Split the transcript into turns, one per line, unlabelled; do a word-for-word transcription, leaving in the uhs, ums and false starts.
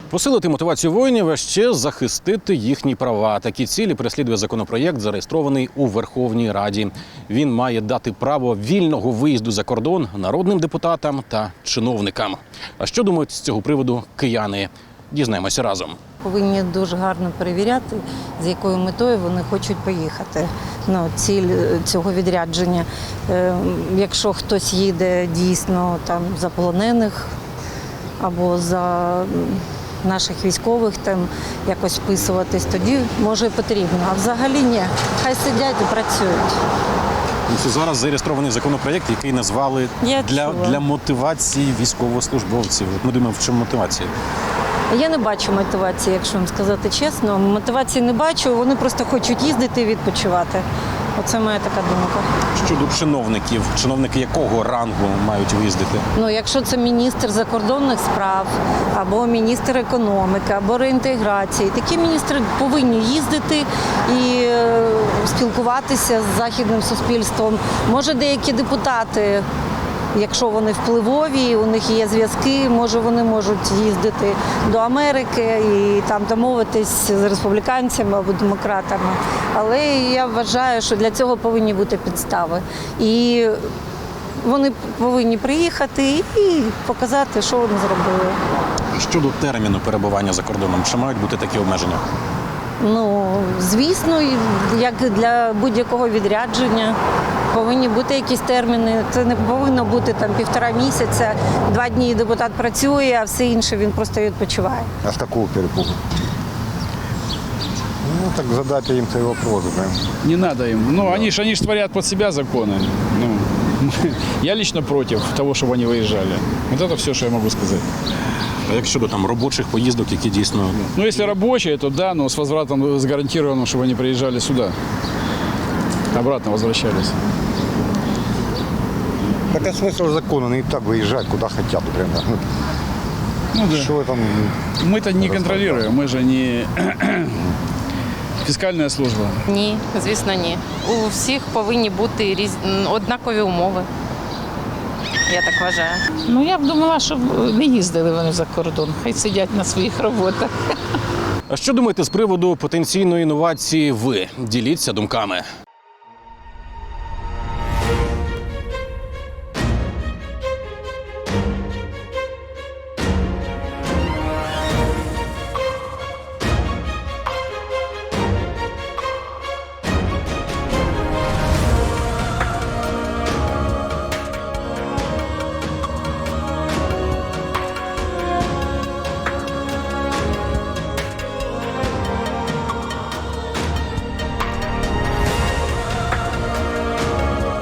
Посилити мотивацію воїнів, а ще захистити їхні права. Такі цілі переслідує законопроєкт, зареєстрований у Верховній Раді. Він має дати право вільного виїзду за кордон народним депутатам та чиновникам. А що думають з цього приводу кияни? Дізнаємося разом.
Повинні дуже гарно перевіряти, з якою метою вони хочуть поїхати. Ну, ціль цього відрядження. Е, якщо хтось їде дійсно там за полонених або за наших військових, там якось вписуватись, тоді може і потрібно. А взагалі ні. Хай сидять і працюють.
Це зараз зареєстрований законопроєкт, який назвали
Я
для,
чула.
для мотивації військовослужбовців. Ми думаємо, в чому мотивація?
Я не бачу мотивації, якщо вам сказати чесно. Мотивації не бачу, вони просто хочуть їздити і відпочивати. Оце моя така думка.
Щодо чиновників, чиновники якого рангу мають виїздити?
Ну, якщо це міністр закордонних справ, або міністр економіки, або реінтеграції, такі міністри повинні їздити і е, спілкуватися з західним суспільством. Може, деякі депутати, якщо вони впливові, у них є зв'язки, може вони можуть їздити до Америки і там домовитись з республіканцями або демократами. Але я вважаю, що для цього повинні бути підстави. І вони повинні приїхати і показати, що вони зробили.
Щодо терміну перебування за кордоном, чи мають бути такі обмеження?
Ну, звісно, як для будь-якого відрядження повинні бути якісь терміни. Це не повинно бути там півтора місяця, два дні депутат працює, а все інше він просто відпочиває.
А с какого перепугу? Ну, так задайте им свой вопрос, да.
Не надо им. Ну, они же они ж творят под себя законы. Ну, я лично против того, чтобы они выезжали. Вот это все, что я могу сказать.
А як щодо там робочих поїздок, які дійсно...
Ну, если рабочие, то да, но с возвратом с гарантированным, чтобы они приезжали сюда. Обратно возвращались.
Так а смысл закона? Они и так выезжают куда хотят, например.
Ну, да.
Что там?
Мы-то не контролируем, мы же не фискальная служба.
Ні, звісно, ні. У всіх повинні бути різ... однакові умови. Я так вважаю.
Ну, я б думала, щоб не їздили вони за кордон, хай сидять на своїх роботах.
А що думаєте з приводу потенційної інновації ви? Діліться думками.